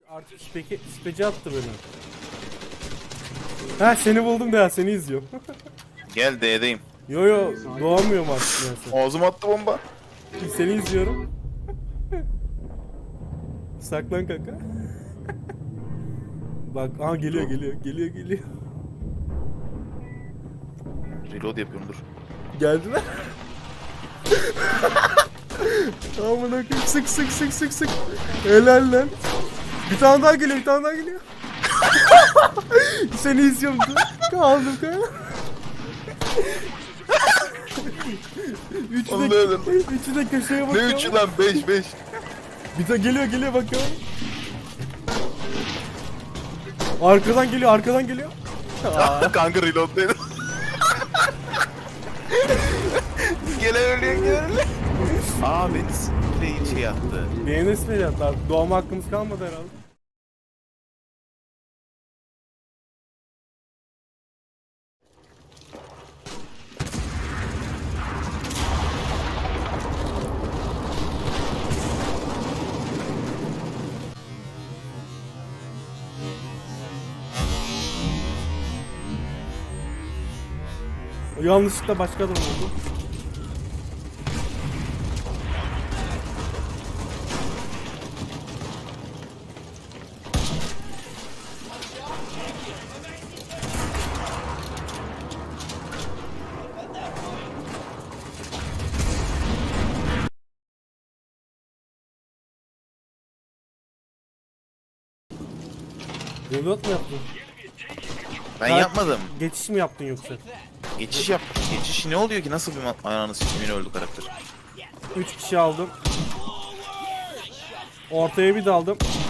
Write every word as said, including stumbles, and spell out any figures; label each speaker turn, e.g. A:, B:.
A: Artık speki, speci attı beni. Ha seni buldum da ya seni izliyorum.
B: Gel D'deyim.
A: Yo yo doğamıyorum artık neyse.
B: Ağzıma attı bomba.
A: Seni izliyorum. Saklan kanka. Bak aha geliyor geliyor geliyor geliyor.
B: Reload yapıyorum dur.
A: Geldiler. Amına koyayım sık sık sık sık sık. Helal lan. Bir tane daha geliyor bir tane daha geliyor. Seni izliyorum dur. Kaldım kanka. Üçü de,
B: Allah'ım.
A: üçü de köşeye
B: Ne
A: bakıyor.
B: üçü lan? beş beş.
A: Bir de geliyor geliyor bakıyorum. Arkadan geliyor arkadan geliyor.
B: Kanka reload'daydım. Gelen ölüyor gelen ölüyor. Aa beni s***le şey yaptı.
A: Beğenirsin ya hatta doğma hakkımız kalmadı herhalde. Yanlışlıkla başka adam oldu. Reload mu yaptın?
B: Ben
A: Ha,
B: yapmadım.
A: Geçiş mi yaptın yoksa?
B: Geçiş yap. Geçiş ne oluyor ki? Nasıl bir ma- ayağını sikimini öldü karakter?
A: üç kişi aldım. Ortaya bir daldım.